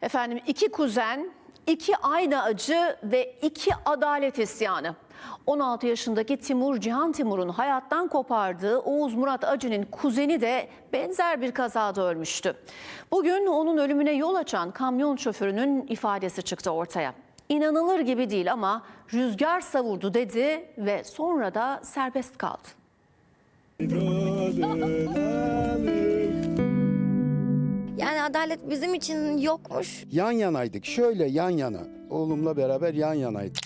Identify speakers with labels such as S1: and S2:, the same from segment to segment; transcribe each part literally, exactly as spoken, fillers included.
S1: Efendim iki kuzen, iki aynı acı ve iki adalet isyanı. on altı yaşındaki Timur Cihan Timur'un hayattan kopardığı Oğuz Murat Acı'nın kuzeni de benzer bir kazada ölmüştü. Bugün onun ölümüne yol açan kamyon şoförünün ifadesi çıktı ortaya. İnanılır gibi değil ama rüzgar savurdu dedi ve sonra da serbest kaldı.
S2: Yani adalet bizim için yokmuş.
S3: Yan yanaydık, şöyle yan yana. Oğlumla beraber yan yanaydık.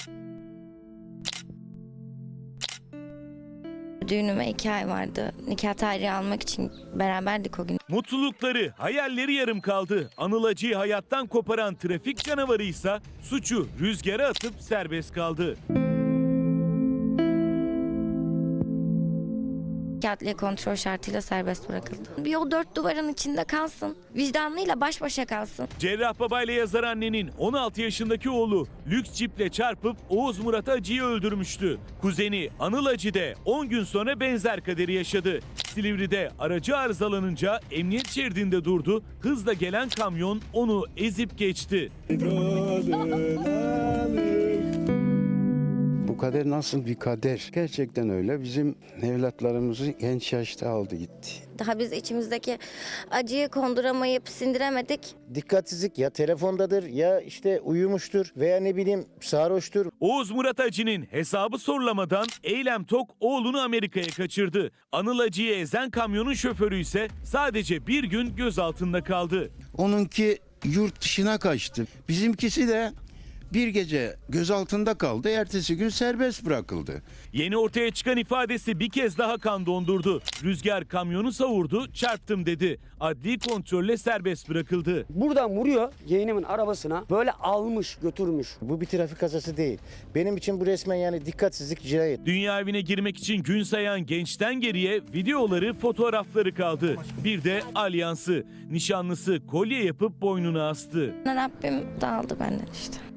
S2: Düğünüme iki ay vardı. Nikah tarihi almak için beraberdik o gün.
S4: Mutlulukları, hayalleri yarım kaldı. Anıl Acı'yı hayattan koparan trafik canavarıysa suçu rüzgara atıp serbest kaldı.
S2: Adliye kontrol şartıyla serbest bırakıldı. Bir o dört duvarın içinde kalsın. Vicdanıyla baş başa kalsın.
S4: Cerrahbaba ile yazar annenin on altı yaşındaki oğlu lüks ciple çarpıp Oğuz Murat Acı'yı öldürmüştü. Kuzeni Anıl Acı de on gün sonra benzer kaderi yaşadı. Silivri'de aracı arızalanınca emniyet şeridinde durdu. Hızla gelen kamyon onu ezip geçti.
S3: Bu kader nasıl bir kader? Gerçekten öyle. Bizim evlatlarımızı genç yaşta aldı gitti.
S2: Daha biz içimizdeki acıyı konduramayıp sindiremedik.
S5: Dikkatsizlik ya telefondadır ya işte uyumuştur veya ne bileyim sarhoştur.
S4: Oğuz Murat Acı'nın hesabı sorulamadan Eylem Tok oğlunu Amerika'ya kaçırdı. Anıl Acı'yı ezen kamyonun şoförü ise sadece bir gün gözaltında kaldı.
S3: Onunki yurt dışına kaçtı. Bizimkisi de bir gece gözaltında kaldı. Ertesi gün serbest bırakıldı.
S4: Yeni ortaya çıkan ifadesi bir kez daha kan dondurdu. Rüzgar kamyonu savurdu, çarptım dedi. Adli kontrolle serbest bırakıldı.
S6: Buradan vuruyor yeğenimin arabasına, böyle almış götürmüş.
S5: Bu bir trafik kazası değil. Benim için bu resmen yani dikkatsizlik, cinayet.
S4: Dünya evine girmek için gün sayan gençten geriye videoları, fotoğrafları kaldı. Bir de alyansı. Nişanlısı kolye yapıp boynuna astı.
S2: Rabbim dağıldı benden işte.